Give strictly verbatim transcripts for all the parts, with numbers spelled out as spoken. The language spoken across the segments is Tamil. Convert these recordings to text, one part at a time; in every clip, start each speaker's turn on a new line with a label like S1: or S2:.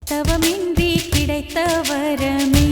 S1: தவமின்றி கிடைத்த வரமே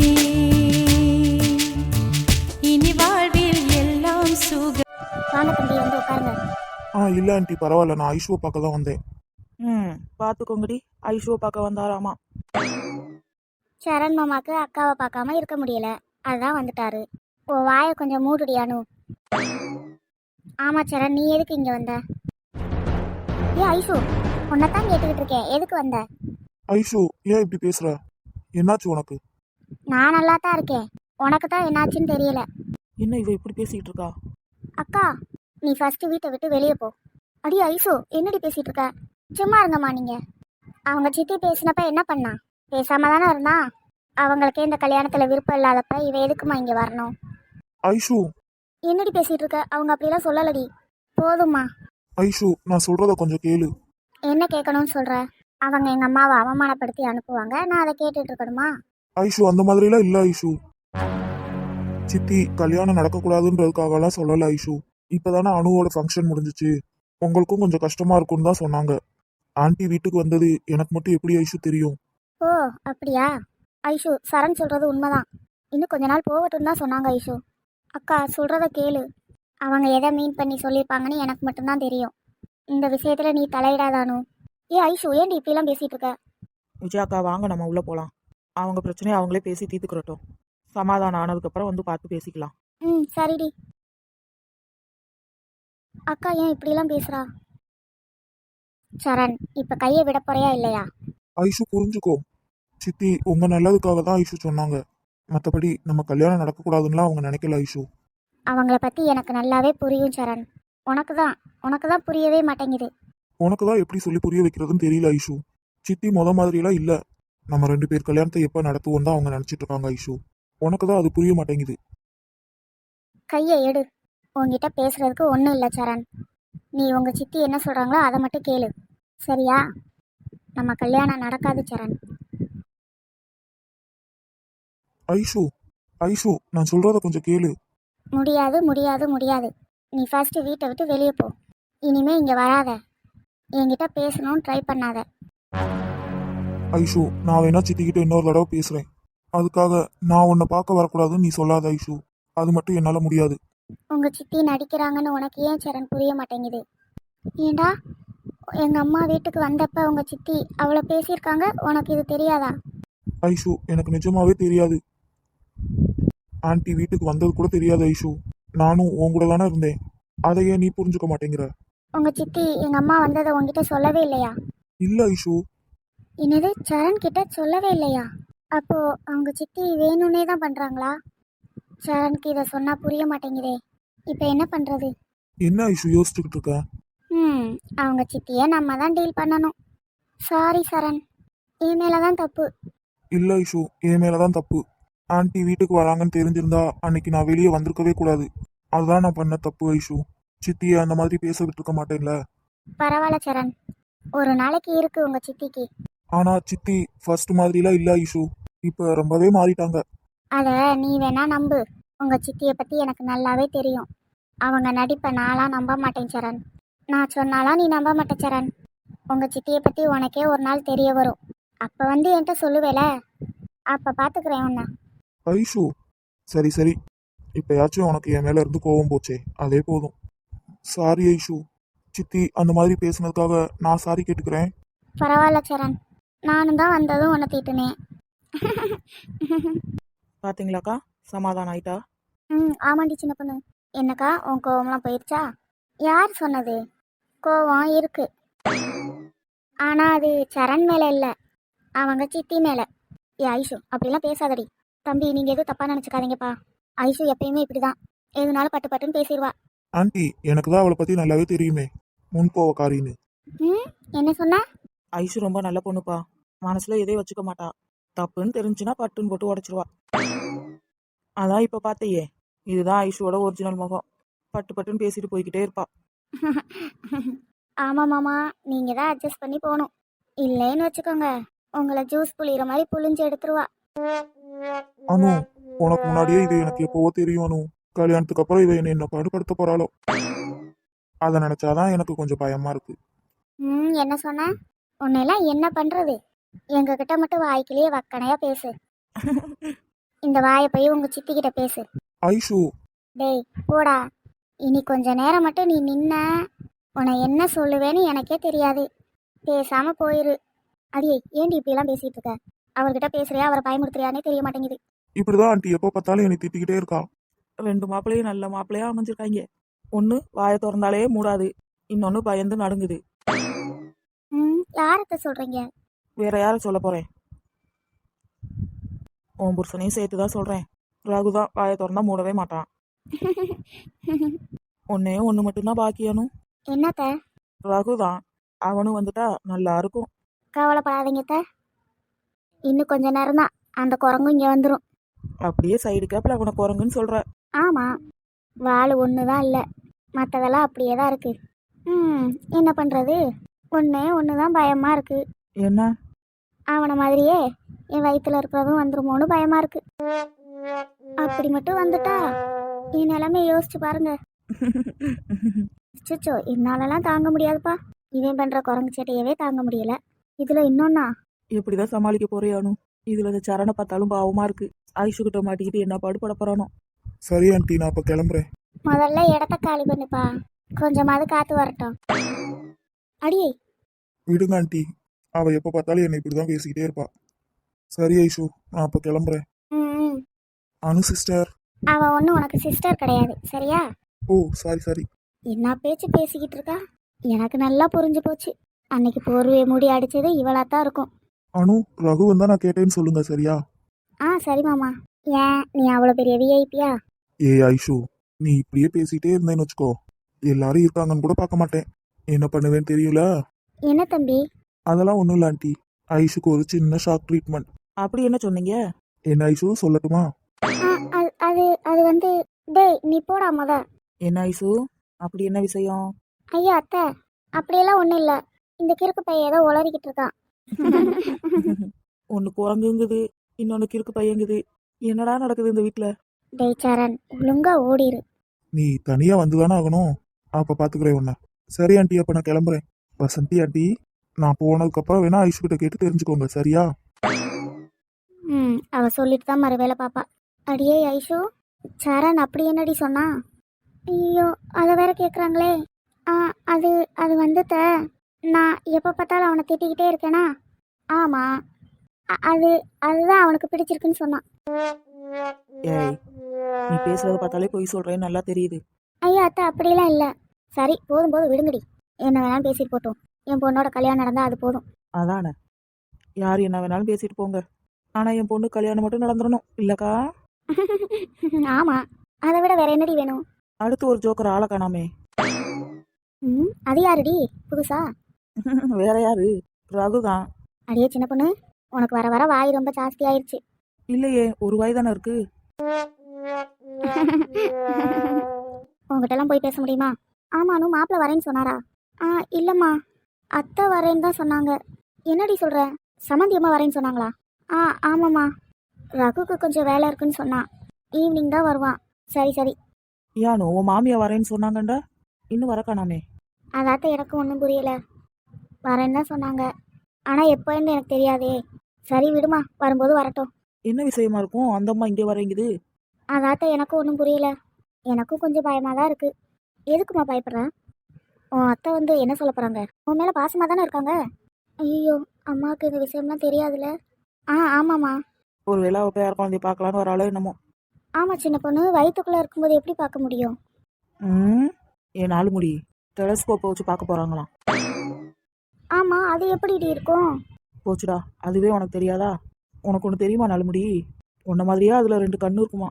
S1: இனி வாழ்வில் எல்லாம் சுக.
S2: வாங்க தம்பி, வந்து உட்காருங்க.
S3: ஆ இல்லை ஆண்டி, பரவாயில்ல. நான் ஐஷுவை பார்க்க தான் வந்தேன்.
S4: ம் பார்த்துக்கோங்கடி, ஐஷுவை பார்க்க வந்தாராமா.
S2: சரண் மாமாக்கு அக்காவை பார்க்காம இருக்க முடியல, அதுதான் வந்துட்டாரு. ஓ வாயை கொஞ்சம் மூடுடியானு. ஆமா சரண், நீ எதுக்கு இங்க வந்த? ஏ ஐஷு, உன்னைத்தான் கேட்டுக்கிட்டு இருக்கேன், எதுக்கு வந்த?
S3: ஐஷு, ஏன் இப்படி பேசுற? என்னாச்சு உனக்கு?
S2: நான் நல்லா தான் இருக்கேன், உனக்கு தான் என்னாச்சுன்னு தெரியல.
S4: என்ன இவ இப்படி பேசிட்டு இருக்கா?
S2: அக்கா, நீ ஃபர்ஸ்ட் வீட்டை விட்டு வெளியே போ. அடி ஐஷு, என்னடி பேசிட்டு இருக்க? சும்மா இருங்கம்மா நீங்க. அவங்க சித்தி பேசினப்ப என்ன பண்ணா? பேசாம தானே இருந்தா. அவங்களுக்கே இந்த கல்யாணத்துல விருப்பம் இல்லாதப்ப இவ எதுக்குமா இங்க வரணும்?
S3: ஐஷு,
S2: என்னடி பேசிட்டு இருக்க? அவங்க அப்படியெல்லாம் சொல்லலடி. போதும்மா.
S3: ஐஷு, நான் சொல்றத கொஞ்சம் கேளு.
S2: என்ன கேட்கணும்னு சொல்ற? அவங்க எங்க அம்மாவை அவமானப்படுத்தி அனுப்புவாங்க, நான் அதை கேட்டுட்டு இருக்கணுமா?
S3: ஐஷு, அந்த மாதிரிலாம் இல்லை ஐஷு. சித்தி கல்யாணம் நடக்கக்கூடாதுன்றதுக்காகலாம் சொல்லலை ஐஷு. இப்போதானே அணுவோட ஃபங்க்ஷன் முடிஞ்சிச்சு, உங்களுக்கும் கொஞ்சம் கஷ்டமா இருக்கும்னு தான் சொன்னாங்க. ஆண்டி வீட்டுக்கு வந்தது எனக்கு மட்டும் எப்படி ஐஷு தெரியும்?
S2: ஓ அப்படியா? ஐஷு, சரண் சொல்றது உண்மைதான். இன்னும் கொஞ்ச நாள் போகட்டும் தான் சொன்னாங்க ஐஷு. அக்கா சொல்றத கேளு. அவங்க எதை மீன் பண்ணி சொல்லியிருப்பாங்கன்னு எனக்கு மட்டும்தான் தெரியும். இந்த விஷயத்துல நீ தலையிடாதானு. ஏ ஐஷு, ஏன்டி இப்படிலாம் பேசிட்டு இருக்க?
S4: விஜயாக்கா வாங்க, நம்ம உள்ள போலாம். அவங்க பிரச்சனையை அவங்களே பேசி தீர்த்துக்கிறட்டும். சமாதானம் ஆனதுக்கப்புறம் வந்து பார்த்து பேசிக்கலாம்.
S2: ம் சரிடி. அக்கா ஏன் இப்படிலாம் பேசுறா? சரண், இப்ப கையை விட போறியா இல்லையா?
S3: ஐஷு புரிஞ்சுக்கோ, சித்தி உங்க நல்லதுக்காக தான் ஐஷு சொன்னாங்க. மற்றபடி நம்ம கல்யாணம் நடக்கக்கூடாதுன்னா அவங்க நினைக்கல ஐஷு.
S2: அவங்கள பத்தி எனக்கு நல்லாவே புரியும் சரண். உனக்கு தான் உனக்கு தான் புரியவே மாட்டேங்குது.
S3: உனக்கு தான் எப்படி சொல்லி புரிய வைக்கிறதுன்னு தெரியல ஐஷு. சித்தி முத மாதிரிலாம் இல்லை. நம்ம ரெண்டு பேர் கல்யாணத்தை எப்போ நடத்துவோம் தான் அவங்க நினச்சிட்டு இருக்காங்க ஐஷு. உனக்கு தான் அது புரிய மாட்டேங்குது.
S2: கையை எடு. உங்ககிட்ட பேசுறதுக்கு ஒன்றும் இல்லை சரண். நீ உங்க சித்தி என்ன சொல்றாங்களோ அதை மட்டும் கேளு, சரியா? நம்ம கல்யாணம் நடக்காது சரண்.
S3: ஐஷு, ஐஷு, நான் சொல்றத கொஞ்சம் கேளு.
S2: முடியாது முடியாது முடியாது. நீ ஃபர்ஸ்ட் வீட்டை விட்டு வெளியே போ. இனிமே இங்க வராத. என்கிட்ட பேசணும்னு ட்ரை பண்ணாத.
S3: ஐஷு, நான் வேணா சித்திக்கிட்ட இன்னொரு தடவை பேசுறேன். அதுக்காக நான் உன்னை பார்க்க வரக்கூடாதுன்னு நீ சொல்லாத ஐஷு. அது மட்டும் என்னால முடியாது.
S2: உங்க சித்தி நடிக்கிறாங்கன்னு உனக்கு ஏன் சரண் புரிய மாட்டேங்குது? ஏண்டா, எங்க அம்மா வீட்டுக்கு வந்தப்ப உங்க சித்தி அவ்வளோ பேசியிருக்காங்க, உனக்கு இது தெரியாதா?
S3: ஐஷு, எனக்கு நிஜமாவே தெரியாது. ஆன்ட்டி வீட்டுக்கு வந்தது கூட தெரியாது ஐஷு. நானும் உன் கூட தானே இருந்தேன். அதை ஏன் நீ புரிஞ்சுக்க மாட்டேங்கிற?
S2: உங்க சித்தி எங்க அம்மா வந்ததை உங்ககிட்ட சொல்லவே இல்லையா?
S3: இல்ல ஐஷு.
S2: என்னது, சரண் கிட்ட சொல்லவே இல்லையா? அப்போ அவங்க சித்தி வேணும்னே தான் பண்றாங்களா? சரணுக்கு இதை சொன்னா புரிய மாட்டேங்குதே. இப்போ என்ன பண்றது?
S3: என்ன ஐஷு யோசிச்சுக்கிட்டு இருக்க?
S2: ம் அவங்க சித்தியை நம்ம தான் டீல் பண்ணணும். சாரி சரண், என் மேல தான் தப்பு.
S3: இல்ல ஐஷு, என் மேலதான் தப்பு. ஆன்ட்டி வீட்டுக்கு வராங்கன்னு தெரிஞ்சிருந்தா அன்னைக்கு நான் வெளியே வந்திருக்கவே கூடாது. அதுதான் நான் பண்ண தப்பு ஐஷு. சித்தியை அந்த மாதிரி பேச விட்டுருக்க மாட்டேன்ல.
S2: பரவாயில்ல சரண், ஒரு நாளைக்கு இருக்கு உங்க சித்திக்கு.
S3: ஆனா சித்தி ஃபர்ஸ்ட் மாதிரிலாம் இல்ல ஐஷு. இப்ப ரொம்பவே மாறிட்டாங்க.
S2: அத நீ வேணா நம்பு. உங்க சித்தியை பத்தி எனக்கு நல்லாவே தெரியும். அவங்க நடிப்பை நான்லாம் நம்ப மாட்டேன் சரண். நான் சொன்னாலாம் நீ நம்ப மாட்டே சரண். உங்க சித்தியை பத்தி உனக்கே ஒரு நாள் தெரிய வரும். அப்ப வந்து என்கிட்ட சொல்லுவேல, அப்ப பாத்துக்கிறேன் உன்னை.
S3: ஐஷு, சரி சரி, இப்பயாச்சும் உனக்கு என் மேல இருந்து கோவம் போச்சே, அதே போதும். சாரி ஐஷு. சித்தி அந்த மாதிரி பேசுனதுக்காக நான் சாரி கேட்டுக்கிறேன்.
S2: பரவாயில்ல சரண், நானும் தான் வந்ததும் உன்னை தீட்டுனேன்.
S4: பாத்தீங்களாக்கா, சமாதானம் ஆயிட்டா?
S2: ம் ஆமாண்டி சின்ன பொண்ணு. என்னக்கா, உன் கோவம்லாம் போயிடுச்சா? யார் சொன்னது? கோவம் இருக்கு, ஆனா அது சரண் மேல இல்ல, அவங்க சித்தி மேல. ஏ ஐஷு, அப்படிலாம் பேசாதடி. தம்பி, நீங்க எதுவும் தப்பா நினைச்சுக்காதீங்கப்பா. ஐஷு எப்பயுமே இப்படிதான், எதுனாலும் பட்டு பட்டுன்னு பேசிடுவா.
S3: ஆன்ட்டி, எனக்கு தான் அவளை பத்தி நல்லாவே தெரியுமே, முன்கோவக்காரின்னு.
S2: ம் என்ன சொன்ன?
S4: ஐஷு ரொம்ப நல்ல பொண்ணுப்பா. மனசுல எதையும் வச்சுக்க மாட்டா. தப்புன்னு தெரிஞ்சுன்னா பட்டுன்னு போட்டு உடச்சிருவா. அதான் இப்ப பாத்தையே, இதுதான் ஐஷுவோட ஒரிஜினல் முகம். பட்டு பட்டுன்னு பேசிட்டு போய்கிட்டே இருப்பா.
S2: ஆமா மாமா, நீங்க தான் அட்ஜஸ்ட் பண்ணி போகணும். இல்லைன்னு வச்சுக்கோங்க, உங்களை ஜூஸ் புளிகிற மாதிரி புளிஞ்சு எடுத்துருவா.
S3: அனு, உனக்கு முன்னாடியே இது எனக்கு எப்பவோ தெரியும் அனு. கல்யாணத்துக்கு அப்புறம் இவ என்ன என்ன பாடுபடுத்த போறாளோ, அதை நினைச்சாதான் எனக்கு கொஞ்சம் பயமா இருக்கு.
S2: ம் என்ன சொன்ன? உன்னெல்லாம் என்ன பண்றது? எங்க கிட்ட மட்டும் வாய்க்கிலேயே வக்கனையா பேசு. இந்த வாயை போய் உங்க சித்தி கிட்ட பேசு.
S3: ஐஷு
S2: டேய் போடா. இனி கொஞ்ச நேரம் மட்டும் நீ நின்ன உன்னை என்ன சொல்லுவேன்னு எனக்கே தெரியாது. பேசாம போயிரு. அடியே ஏண்டி இப்படிலாம் பேசிட்டு இருக்க? அவர்கிட்ட பேசுறியா அவரை பயமுறுத்துறியானே தெரிய மாட்டேங்குது.
S3: இப்படிதான் ஆண்டி எப்போ பார்த்தாலும் என்னை திட்டிக்கிட்டே இருக்கா.
S4: ரெண்டு மாப்பிள்ளையும் நல்ல மாப்பிள்ளையா அமைஞ்சிருக்காங்க. ஒன்று வாயை திறந்தாலே மூடாது, இன்னொன்று பயந்து நடுங்குது.
S2: ம் யார்கிட்ட சொல்றீங்க?
S4: வேற யாரை சொல்ல போறேன்? உன் புருஷனையும் சேர்த்து தான் சொல்றேன். ரகுதான் வாயை திறந்தா மூடவே மாட்டான். ஒன்னே ஒன்று மட்டும்தான் பாக்கியானும்.
S2: என்னத்த?
S4: ரகுதான். அவனும் வந்துட்டா நல்லா இருக்கும்.
S2: கவலைப்படாதீங்க அத்தை. இன்னும் கொஞ்ச நேரம் தான் அந்த குரங்கும் இங்க வந்துடும்.
S4: அப்படியே சைடு கேப்பில் அவனை குரங்குன்னு சொல்ற.
S2: ஆமா, வாள் ஒன்று தான் இல்லை, மற்றதெல்லாம் அப்படியே தான் இருக்கு. ம் என்ன பண்றது? ஒன்னே ஒன்று தான் பயமா இருக்கு.
S4: என்ன?
S2: அவனை மாதிரியே என் வயிற்றுல இருக்கிறதும் வந்துருமோன்னு பயமா இருக்கு. அப்படி மட்டும் வந்துட்டா என் நிலைமை யோசிச்சு பாருங்க. சிச்சோ என்னாலலாம் தாங்க முடியாதுப்பா. இவன் பண்ற குரங்கு சேட்டையவே தாங்க முடியல. இதுல இன்னொன்னா
S4: எப்படிதான் சமாளிக்க போறியானும். இதுல இந்த சரணை பார்த்தாலும் பாவமா இருக்கு. ஐஷு கிட்ட மாட்டிக்கிட்டு என்ன பாடுபட போறானோ.
S3: சரி ஆண்டி, நான் அப்போ கிளம்புறேன்.
S2: முதல்ல இடத்த காலி பண்ணுப்பா, கொஞ்சமாவது காத்து வரட்டும். அடியே
S3: விடுங்க ஆண்டி, அவ எப்போ பார்த்தாலும் என்னை இப்படிதான் பேசிக்கிட்டே இருப்பா. சரி ஐஷு, நான் அப்போ கிளம்புறேன்.
S2: ம்
S3: அனு சிஸ்டர்.
S2: அவ ஒன்றும் உனக்கு சிஸ்டர் கிடையாது சரியா?
S3: ஓ சாரி சாரி.
S2: என்ன பேச்சு பேசிக்கிட்டு இருக்கா? எனக்கு நல்லா புரிஞ்சு போச்சு. அன்னைக்கு போர்வையை மூடி அடிச்சது இவளா தான் இருக்கும்.
S3: அனு, ரகு வந்தா நான் கேட்டேன்னு சொல்லுங்க சரியா?
S2: ஆ சரி மாமா. ஏன் நீ அவ்வளோ பெரிய விஐபியா?
S3: ஏ ஐஷு, நீ இப்படியே பேசிட்டே இருந்தேன்னு வச்சுக்கோ, எல்லாரும் இருக்காங்கன்னு கூட பார்க்க மாட்டேன். என்ன பண்ணுவேன்னு தெரியல.
S2: என்ன தம்பி?
S3: அதெல்லாம் ஒன்றும் இல்லை ஆண்டி, ஐஷுக்கு ஒரு சின்ன ஷாக் ட்ரீட்மெண்ட்.
S4: அப்படி என்ன சொன்னீங்க?
S3: என்ன ஐஷு சொல்லட்டுமா?
S2: ஆ, அது அது அது வந்து டேய் நீ போடா முத.
S4: என்ன ஐசு, அப்படி என்ன விஷயம்?
S2: ஐயா அத்தை, அப்படியெல்லாம் ஒன்றும் இல்லை. இந்த கிறுக்கு பையன் ஏதோ உளறிக்கிட்டு இருக்கான்.
S4: ஒன்று குரங்குங்குது, இன்னொன்று கிறுக்கு பையங்குது. என்னடா நடக்குது இந்த வீட்டில்?
S2: டேய் சரண், ஒழுங்கா ஓடிரு.
S3: நீ தனியா வந்துதானே ஆகணும், அப்ப பாத்துக்கிறேன் உன்ன. சரி ஆண்டி, அப்ப நான் கிளம்புறேன். வசந்தி ஆண்டி, நான் போனதுக்கு அப்புறம் வேணா ஐஷு கிட்ட கேட்டு தெரிஞ்சுக்கோங்க சரியா?
S2: ம் அவ சொல்லிட்டு தான் மறு வேலை பாப்பா. அடியே ஐஷு, சரண் அப்படி என்னடி சொன்னா? ஐயோ அதை வேற கேட்குறாங்களே. ஆ அது அது வந்துட்ட, நான் எப்போ பார்த்தாலும் அவனை திட்டிக்கிட்டே இருக்கேனா? ஆமாம், அது அதுதான் அவனுக்கு பிடிச்சிருக்குன்னு சொன்னான்.
S4: ஏய், நீ பேசுறத பார்த்தாலே பொய் சொல்றேன்னு நல்லா தெரியுது.
S2: ஐயா அத்தை அப்படிலாம் இல்லை. சரி போதும் போதும் விடுங்கடி, என்ன வேணாலும் பேசிட்டு போட்டோம். என் பொண்ணோட கல்யாணம் நடந்தால் அது போதும்.
S4: அதானே, யார் என்ன வேணாலும் பேசிட்டு போங்க, ஆனால் என் பொண்ணு கல்யாணம் மட்டும் நடந்துடணும் இல்லக்கா?
S2: ஆமாம், அதை விட வேற என்னடி வேணும்?
S4: அடுத்து ஒரு ஜோக்கர் ஆளை காணாமே.
S2: ம் அது யாருடி புதுசா?
S4: வேற யாரு? ரகுதான்.
S2: அடியே சின்ன பொண்ணு, உனக்கு வர வர வாய் ரொம்ப ஜாஸ்தி ஆயிடுச்சு.
S4: இல்லையே, ஒரு வாய் தானே இருக்கு.
S2: உங்ககிட்டலாம் போய் பேச முடியுமா? ஆமானு மாப்பிள்ள வரேன்னு சொன்னாரா? ஆ இல்லைம்மா, அத்தை வரேன்னு தான் சொன்னாங்க. என்னடி சொல்கிற? சமந்தி அம்மா வரேன்னு சொன்னாங்களா? ஆ ஆமாம்மா, ரகுக்கு கொஞ்சம் வேலை இருக்குன்னு சொன்னான், ஈவினிங் தான் வருவான். சரி சரி.
S4: யானோ உன் மாமியா வரேன்னு சொன்னாங்கண்டா, இன்னும் வர காணாமே.
S2: அதாத்த எனக்கு ஒன்றும் புரியல. வரேன்னு தான் சொன்னாங்க, ஆனால் எப்போன்னு எனக்கு தெரியாதே. சரி விடுமா, வரும்போது வரட்டும்.
S4: என்ன விஷயமா இருக்கும் அந்த அம்மா இங்கே வரேங்குது?
S2: அதாத்த எனக்கும் ஒன்றும் புரியல. எனக்கும் கொஞ்சம் பயமாக தான் இருக்குது. எதுக்குமா பயப்படுறேன்? உன் அத்தை வந்து என்ன சொல்ல போகிறாங்க? உன் மேலே பாசமாக தானே இருக்காங்க. ஐயோ அம்மாவுக்கு இந்த விஷயம்லாம் தெரியாதுல்ல. ஆ ஆமாம்மா.
S4: ஒரு வேளை அவள் பேர குழந்தைய பார்க்கலான்னு வராளோ என்னமோ.
S2: ஆமாம் சின்ன பொண்ணு, வயிற்றுக்குள்ளே இருக்கும்போது எப்படி பார்க்க முடியும்?
S4: ம் என் நாலு முடி டெலஸ்கோப்பை வச்சு பார்க்க போகிறாங்களாம்.
S2: ஆமாம், அது எப்படி இருக்கும்?
S4: போச்சுடா, அதுவே உனக்கு தெரியாதா? உனக்கு ஒன்று தெரியுமா நாலுமுடி? உன்ன மாதிரியா அதில் ரெண்டு கண்ணு இருக்குமா?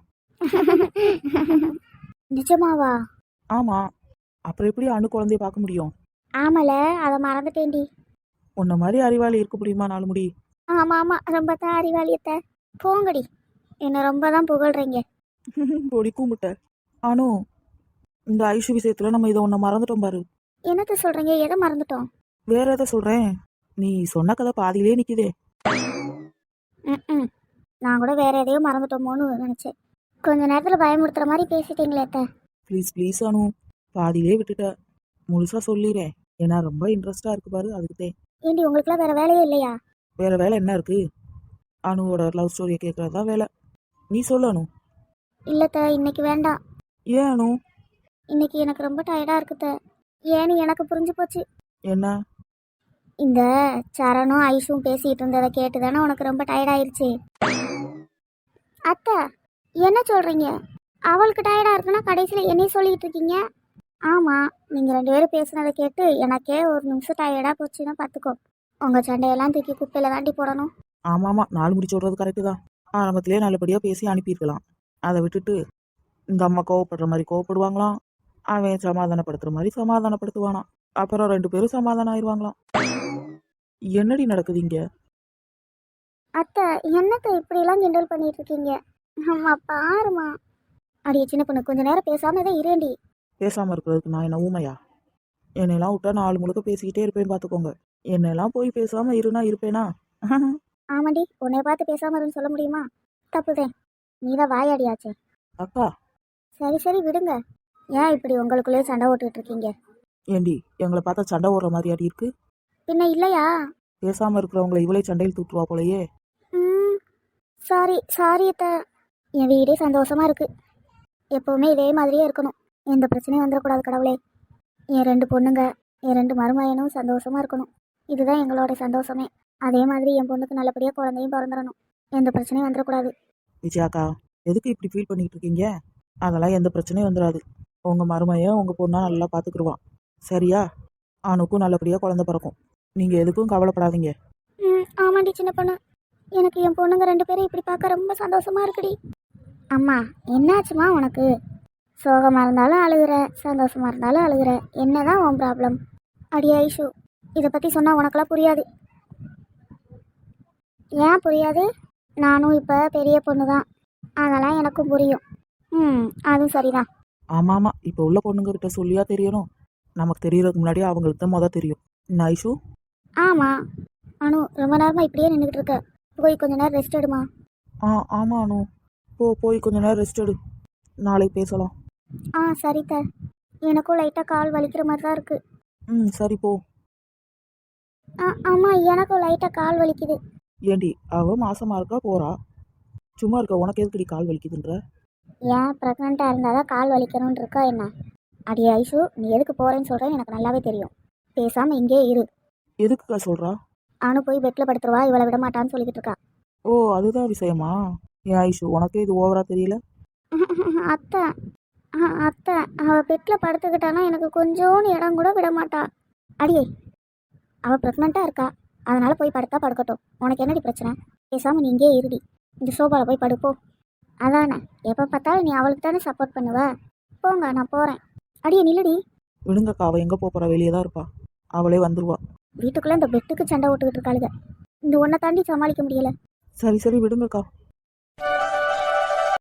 S2: நிஜமாவா?
S4: ஆமாம், அப்புறம் எப்படி அணு குழந்தைய பார்க்க முடியும்?
S2: ஆமால, அதை மறந்துட்டேன்டி.
S4: உன்ன மாதிரி அறிவாளி இருக்க முடியுமா நாலுமுடி?
S2: ஆமாம் ஆமாம், ரொம்ப தான் அறிவாளியத்தை. போங்கடி, என்னை ரொம்ப தான் புகழ்றீங்க.
S4: பொடி கூமுட்ட. அனு, இந்த ஐஷு விஷயத்தில் நம்ம இதை ஒன்றை மறந்துட்டோம் பாரு.
S2: என்னத்த சொல்கிறீங்க? எதை மறந்துட்டோம்?
S4: வேற எதை சொல்கிறேன், நீ சொன்ன கதை பாதியிலே நிற்கிதே.
S2: ம் ம் நான் கூட வேற எதையோ மறந்துட்டோமோன்னு நினச்சேன். கொஞ்ச நேரத்தில் பயமுறுத்துற மாதிரி பேசிட்டீங்களே அத்தை.
S4: ப்ளீஸ் ப்ளீஸ் அனு, பாதியிலே விட்டுட்ட. முழுசாக சொல்லிடுறேன், ஏன்னா ரொம்ப இன்ட்ரெஸ்டாக இருக்கு பாரு, அதுக்குதே.
S2: ஏண்டி உங்களுக்குலாம் வேற வேலையே இல்லையா?
S4: வேற வேலை என்ன இருக்கு? அனுவோட லவ் ஸ்டோரியை கேட்கறது தான் வேலை. நீ சொல்லு அனு.
S2: இல்லத்த இன்னைக்கு வேண்டாம்.
S4: ஏன் அனு?
S2: இன்னைக்கு எனக்கு ரொம்ப டயர்டா இருக்குத்த. ஏன்னு எனக்கு புரிஞ்சு போச்சு.
S4: என்ன?
S2: இந்த சரணும் ஐஷும் பேசிட்டு இருந்ததை கேட்டு தானே உனக்கு ரொம்ப டயர்ட் ஆயிருச்சு. அத்தை என்ன சொல்றீங்க? அவளுக்கு டயர்டா இருக்குன்னா கடைசியில் என்னையும் சொல்லிட்டு இருக்கீங்க. ஆமா, நீங்க ரெண்டு பேரும் பேசுனதை கேட்டு எனக்கே ஒரு நிமிஷம் டயர்டா போச்சுன்னா பார்த்துக்கோ. உங்க சண்டையெல்லாம் தூக்கி குப்பையில தாண்டி போடணும்.
S4: ஆமா ஆமா, நாலு முடிச்சு விடுறது கரெக்டு தான். ஆரம்பத்திலேயே நல்லபடியா பேசி அனுப்பியிருக்கலாம். அதை விட்டுட்டு இந்த அம்மா கோவப்படுற மாதிரி கோவப்படுவாங்களாம், அவன் சமாதானப்படுத்துற மாதிரி சமாதானப்படுத்துவானாம். அப்புறம் ரெண்டு பேரும் சமாதானம் ஆயிடுவாங்களாம். என்னடி நடக்குது இங்க?
S2: அத்தை என்னத்தை இப்படிலாம் கிண்டல் பண்ணிட்டு இருக்கீங்க? அம்மா பாருமா. அடியே சின்ன பொண்ணு, கொஞ்ச நேரம் பேசாம தான் இரேண்டி.
S4: பேசாம இருக்கிறதுக்கு நான் என்ன ஊமையா? என்னையெல்லாம் விட்டா நாலு முழுக்க பேசிக்கிட்டே இருப்பேன் பார்த்துக்கோங்க. என்னெல்லாம் போய் பேசாம இருனா இருப்பேனா?
S2: ஆமாண்டி, உன்னைய பார்த்து பேசாம இருன்னு சொல்ல முடியுமா? தப்புதேன், நீதான் வாயாடியாச்சே.
S4: அக்கா.
S2: சரி சரி விடுங்க. ஏன் இப்படி உங்களுக்குள்ளேயே சண்டை ஓட்டுக்கிட்டு இருக்கீங்க?
S4: ஏண்டி எங்களை பார்த்தா சண்டை ஓடுற மாதிரி அடி இருக்கு?
S2: பின்ன இல்லையா?
S4: பேசாம இருக்கிறவங்களை இவளே சண்டையில் தூட்டுவா போலயே.
S2: ம் சாரி சாரி அத்தை. என் வீடே சந்தோஷமா இருக்கு. எப்பவுமே இதே மாதிரியே இருக்கணும். எந்த பிரச்சனையும் வந்துடக்கூடாது கடவுளே. என் ரெண்டு பொண்ணுங்க, என் ரெண்டு மருமகனும் சந்தோஷமா இருக்கணும். இதுதான் எங்களோட சந்தோஷமே. அதே மாதிரி என் பொண்ணுக்கு நல்லபடியாக குழந்தையும் பிறந்துடணும். எந்த பிரச்சனையும் வந்துடக்கூடாது.
S4: விஜயாக்கா, எதுக்கு இப்படி ஃபீல் பண்ணிட்டு இருக்கீங்க? அதெல்லாம் எந்த பிரச்சனையும் வந்துடாது. உங்க மருமையை உங்க பொண்ணா நல்லா பார்த்துக்குருவான். சரியா? அவனுக்கும் நல்லபடியாக குழந்தை பிறக்கும். நீங்க எதுக்கும் கவலைப்படாதீங்க.
S2: ம் ஆமாண்டி சின்ன பொண்ணு. எனக்கு என் பொண்ணுங்க ரெண்டு பேரும் இப்படி பார்க்க ரொம்ப சந்தோஷமா இருக்குடி. அம்மா என்னாச்சுமா உனக்கு? சோகமாக இருந்தாலும் அழுகுற, சந்தோஷமா இருந்தாலும் அழுகுற. என்னதான் உன் ப்ராப்ளம்? அடி ஐஷு, இதை பற்றி சொன்னால் உனக்கெல்லாம் புரியாது. ஏன் புரியாது? நானும் இப்போ பெரிய பொண்ணு தான், அதெல்லாம் எனக்கும் புரியும். ம் அதுவும் சரிதான்.
S4: ஆமா ஆமா, இப்போ உள்ள பொண்ணுங்க கிட்ட சொல்லியா தெரியணும்? நமக்கு தெரியறதுக்கு முன்னாடியே அவங்களுக்கு தான் மொதல் தெரியும். என்ன ஐஷு?
S2: ஆமாம் அனு, ரொம்ப நேரமாக இப்படியே நின்றுக்கிட்டு இருக்க. போய் கொஞ்ச நேரம் ரெஸ்ட் எடுமா.
S4: ஆ ஆமா அனு, போ போய் கொஞ்ச நேரம் ரெஸ்ட் எடு. நாளைக்கு பேசலாம்.
S2: ஆ சரித்த. எனக்கும் லைட்டாக கால் வலிக்கிற மாதிரி தான் இருக்குது.
S4: ம் சரி போ.
S2: ஆ ஆமாம், எனக்கும் லைட்டாக கால் வலிக்குது.
S4: ஏண்டி அவ மாசமா இருக்கா போறா? சும்மா இருக்க உனக்கு எதுக்குடி கால் வலிக்குதுன்ற?
S2: ஏன் ப்ரெக்னெண்ட்டாக இருந்தால் தான் கால் வலிக்கணும்னு இருக்கா என்ன? அடி ஐஷு, நீ எதுக்கு போகிறேன்னு சொல்கிறேன்னு எனக்கு நல்லாவே தெரியும். பேசாமல் இங்கே இரு.
S4: எதுக்குக்கா சொல்றா?
S2: அனு போய் பெட்டில் படுத்துருவா, இவளை விட மாட்டான்னு சொல்லிக்கிட்டு இருக்கா.
S4: ஓ அதுதான் விஷயமா? ஏன் ஐஷு, உனக்கே இது ஓவரா தெரியல?
S2: அத்தை ஆ, அத்தை அவள் பெட்டில் படுத்துக்கிட்டானா எனக்கு கொஞ்சோன்னு இடம் கூட விட மாட்டா. அடியே, அவள் ப்ரெக்னெண்ட்டாக இருக்கா, அதனால் போய் படுத்தா படுக்கட்டும். உனக்கு என்னடி பிரச்சனை? பேசாமல் நீ இங்கே இருடி. இந்த சோபாவில் போய் படுப்போ. அதானே, எப்போ பார்த்தாலும் நீ அவளுக்கு தானே சப்போர்ட் பண்ணுவ. போங்க, நான் போகிறேன். அடியே நில்லுடி.
S4: விடுங்கக்கா, அவ எங்க போறா? வெளியே தான் இருப்பா. அவளே வந்துருவா.
S2: வீட்டுக்குள்ளே இந்த பெட்டுக்கு சண்டை ஓட்டுக்கிட்டு இருக்காளுங்க. இந்த ஒன்றை தாண்டி சமாளிக்க முடியல.
S4: சரி சரி விடுங்கக்கா.